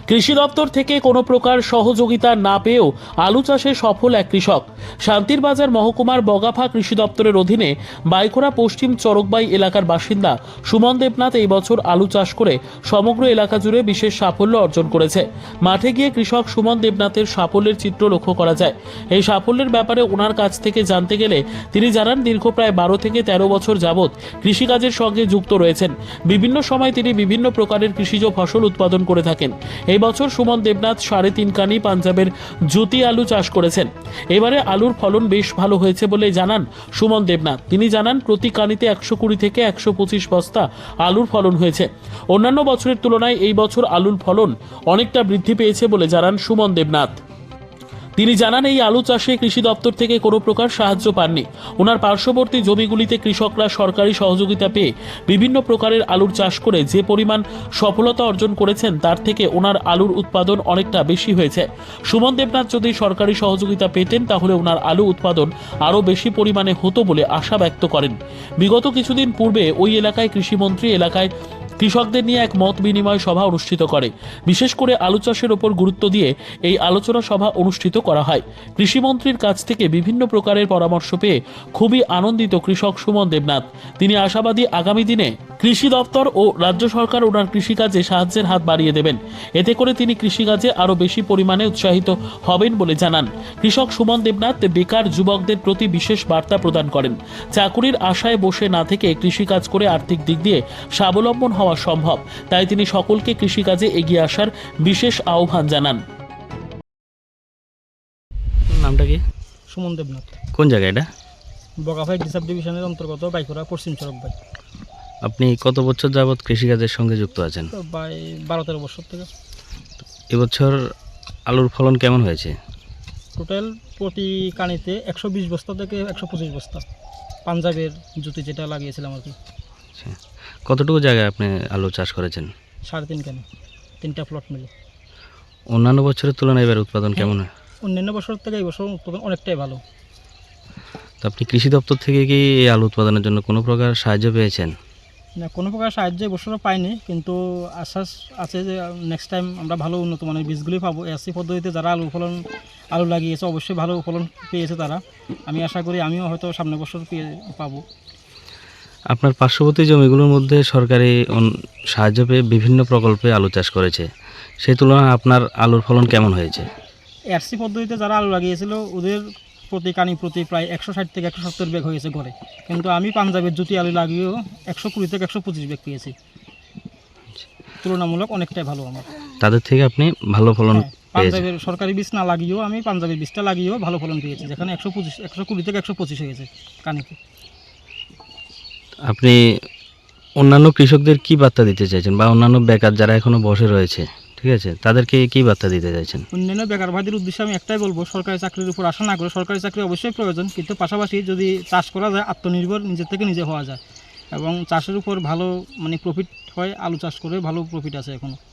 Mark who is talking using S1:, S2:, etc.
S1: কৃষি দপ্তর থেকে কোনো প্রকার সহযোগিতা না পেয়েও আলু চাষে সফল এক কৃষক। শান্তির বাজার মহকুমার বগাফা কৃষি দপ্তরের অধীনে বাইখোরা পশ্চিম চরকবাই এলাকার বাসিন্দা সুমন দেবনাথ এই বছর আলু চাষ করে সমগ্র এলাকা জুড়ে বিশেষ সাফল্য অর্জন করেছে। মাঠে গিয়ে কৃষক সুমন দেবনাথের সাফল্যের চিত্র লক্ষ্য করা যায়। এই সাফল্যের ব্যাপারে ওনার কাছ থেকে জানতে গেলে তিনি জানান, দীর্ঘ প্রায় 12 থেকে 13 বছর যাবৎ কৃষিকাজের সঙ্গে যুক্ত রয়েছেন। বিভিন্ন সময় তিনি বিভিন্ন প্রকারের কৃষিজ ফসল উৎপাদন করে থাকেন। এই বছর সুমন দেবনাথ 3.5 কানি পাঞ্জাবের জ্যোতি আলু চাষ করেছেন। এবারে আলুর ফলন বেশ ভালো হয়েছে বলে জানান সুমন দেবনাথ। তিনি জানান, প্রতি কানিতে 120 থেকে 125 বস্তা আলুর ফলন হয়েছে। অন্যান্য বছরের তুলনায় এই বছর আলুর ফলন অনেকটা বৃদ্ধি পেয়েছে বলে জানান সুমন দেবনাথ। তিনি জানান, এই আলু চাষে কৃষি দপ্তর থেকে কোনো প্রকার সাহায্য পাননি। ওনার পার্শ্ববর্তী জমিগুলিতে কৃষকরা সরকারি সহযোগিতা পেয়ে বিভিন্ন প্রকারের আলুর চাষ করে যে পরিমাণ সফলতা অর্জন করেছেন তার থেকে ওনার আলুর উৎপাদন অনেকটা বেশি হয়েছে। সুমন দেবনাথ যদি সরকারি সহযোগিতা পেতেন তাহলে ওনার আলু উৎপাদন আরও বেশি পরিমাণে হতো বলে আশা ব্যক্ত করেন। বিগত কিছুদিন পূর্বে ওই এলাকায় কৃষিমন্ত্রী এলাকায় কৃষকদের নিয়ে এক মত বিনিময় সভা অনুষ্ঠিত করে। বিশেষ করে আলু চাষের ওপর গুরুত্ব দিয়ে এই আলোচনা সভা অনুষ্ঠিত করা হয়। কৃষিমন্ত্রীর কাছ থেকে বিভিন্ন প্রকারের পরামর্শ পেয়ে খুবই আনন্দিত কৃষক সুমন দেবনাথ। তিনি আশাবাদী আগামী দিনে কৃষি দপ্তর ও রাজ্য সরকার ওনার কৃষিকাজে সাহায্যের হাত বাড়িয়ে দেবেন। এতে করে তিনি কৃষিকাজে আরও বেশি পরিমাণে উৎসাহিত হবেন বলে জানান। কৃষক সুমন দেবনাথ বেকার যুবকদের প্রতি বিশেষ বার্তা প্রদান করেন। চাকুরির আশায় বসে না থেকে কৃষিকাজ করে আর্থিক দিক দিয়ে স্বাবলম্বন হওয়া সম্ভব, তাই তিনি সকলকে কৃষিকাজে এগিয়ে আসার বিশেষ আহ্বান জানান।
S2: নামটা কি?
S3: সুমন দেবনাথ।
S2: কোন জায়গা এটা?
S3: বগাফাই ডিসাব ডিভিশনের অন্তর্গত বাইখোরা পশ্চিম চরকবাই।
S2: আপনি কত বছর যাবৎ কৃষিকাজের সঙ্গে যুক্ত আছেন?
S3: তো প্রায় 12-13 বছর থেকে।
S2: এবছর আলুর ফলন কেমন হয়েছে?
S3: টোটাল প্রতি কানিতে 120 বস্তা থেকে 125 বস্তা পাঞ্জাবের জুতি যেটা লাগিয়েছিলাম আর কি।
S2: আচ্ছা, কতটুকু জায়গায় আপনি আলু চাষ করেছেন?
S3: 3.5 কানি, 3টা প্লট মিলে।
S2: অন্যান্য বছরের তুলনায় এবার উৎপাদন কেমন হয়?
S3: অন্যান্য বছর থেকে এই বছর উৎপাদন অনেকটাই ভালো।
S2: তো আপনি কৃষি দপ্তর থেকে কি এই আলু উৎপাদনের জন্য কোনো প্রকার সাহায্য পেয়েছেন?
S3: না, কোনো প্রকার সাহায্য এবছরও পাইনি, কিন্তু আশ্বাস আছে যে নেক্সট টাইম আমরা ভালো উন্নত মানের বীজগুলি পাবো। এসি পদ্ধতিতে যারা আলু লাগিয়েছে অবশ্যই ভালো ফলন পেয়েছে তারা। আমি আশা করি আমিও হয়তো সামনের বছর পাবো।
S2: আপনার পার্শ্ববর্তী জমিগুলোর মধ্যে সরকারি সাহায্য পেয়ে বিভিন্ন প্রকল্পে আলু চাষ করেছে, সেই তুলনায় আপনার আলুর ফলন কেমন হয়েছে?
S3: এসি পদ্ধতিতে যারা আলু লাগিয়েছিল ওদের প্রতি কানি প্রতি প্রায় 160 থেকে 170 ব্যাগ হয়েছে ঘরে, কিন্তু আমি পাঞ্জাবের জ্যোতি আলু লাগিয়েও 120 থেকে 125 ব্যাগ পেয়েছি। তুলনামূলক অনেকটাই ভালো আমার।
S2: তাদের থেকে আপনি ভালো ফলন পেয়েছেন?
S3: পাঞ্জাবের সরকারি বীজ না লাগিয়েও আমি পাঞ্জাবের বীজটা লাগিয়েও ভালো ফলন পেয়েছি, যেখানে 120 থেকে 125 হয়েছে কানিতে।
S2: আপনি অন্যান্য কৃষকদের কি বার্তা দিতে চাইছেন, বা অন্যান্য বেকার যারা এখনো বসে রয়েছে, ঠিক আছে, তাদেরকে কি বার্তা দিতে চাইছেন?
S3: অন্যান্য বেকার ভাইদের উদ্দেশ্যে আমি একটাই বলবো, সরকারি চাকরির উপর আশা না করে, সরকারি চাকরি অবশ্যই প্রয়োজন, কিন্তু পাশাপাশি যদি চাষ করা যায় আত্মনির্ভর নিজের থেকে নিজে হওয়া যায় এবং চাষের উপর ভালো প্রফিট হয়। আলু চাষ করে ভালো প্রফিট আছে এখনও।